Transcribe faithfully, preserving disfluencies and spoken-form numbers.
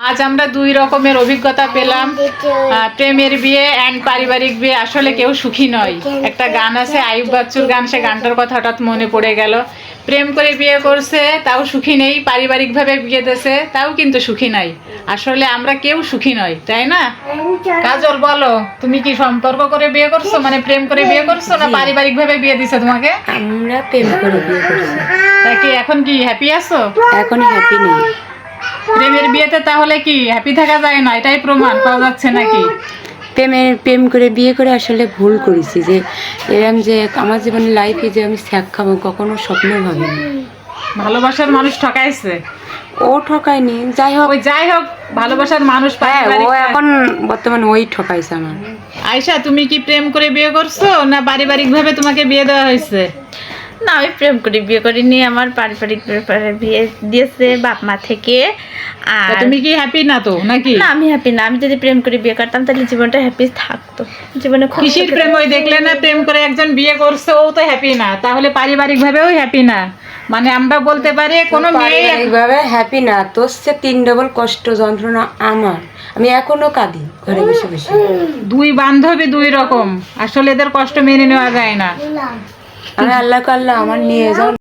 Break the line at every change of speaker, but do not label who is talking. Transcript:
আজ আমরা দুই রকমের অভিজ্ঞতা পেলাম, প্রেমের বিয়ে অ্যান্ড পারিবারিক বিয়ে। আসলে কেউ সুখী নয়। একটা গান আছে আইয়ুব বাচ্চুর গান, সে গানটার কথা হঠাৎ মনে পড়ে গেল। প্রেম করে বিয়ে করছে তাও সুখী নেই, পারিবারিকভাবে বিয়ে দিয়েছে তাও কিন্তু সুখী নাই। আসলে আমরা কেউ সুখী নয়, তাই না? কাজল বলো, তুমি কি সম্পর্ক করে বিয়ে করছো, মানে প্রেম করে বিয়ে করছো না পারিবারিকভাবে বিয়ে দিছে তোমাকে?
আমরা প্রেম করে বিয়ে করছি।
তা কি এখন কি হ্যাপি আছো?
এখন হ্যাপি নেই।
প্রেমের বিয়েতে তাহলে কি হ্যাপি থাকা যায় না, এটাই প্রমাণ পাওয়া যাচ্ছে নাকি?
প্রেমের প্রেম করে বিয়ে করে আসলে ভুল করেছি, যে এরম যে আমার জীবনে লাইফে যে আমি স্যাক খাবো কখনো স্বপ্নেও ভাবিনি।
ভালোবাসার মানুষ ঠকাইছে।
ও ঠকায়নি, যাই হোক।
ওই যাই হোক, ভালোবাসার মানুষ
হ্যাঁ, ও
পারিবারিক-
এখন বর্তমানে ওই ঠকাইছে আমার।
আয়শা, তুমি কি প্রেম করে বিয়ে করছো না পারিবারিক ভাবে তোমাকে বিয়ে দেওয়া হয়েছে?
না, আমি প্রেম করে বিয়ে করিনি, আমার পারিবারিক ব্যাপারে বিয়ে দিয়েছে বাপ মা থেকে। আর
তা তুমি কি হ্যাপি না তো নাকি?
না, আমি হ্যাপি না। আমি যদি প্রেম করে বিয়ে করতাম তাহলে জীবনটা হ্যাপি থাকতো। জীবনে খুব
কিসের প্রেম? ওই দেখলে না, প্রেম করে একজন বিয়ে করছে, ও তো হ্যাপি না, তাহলে পারিবারিক ভাবেও হ্যাপি না। মানে আমরা বলতে পারি কোনো মেয়ে
পারিবারিকভাবে হ্যাপি না, তোর সে তিন ডবল কষ্ট যন্ত্রণা আমার। আমি এখনো কাঁদি ঘরে বসে বসে।
দুই বান্ধবী দুই রকম, আসলে এদের কষ্ট মেনে নেওয়া যায় না।
আমি আল্লাহকে আল্লাহ আমার নিয়ে যাও।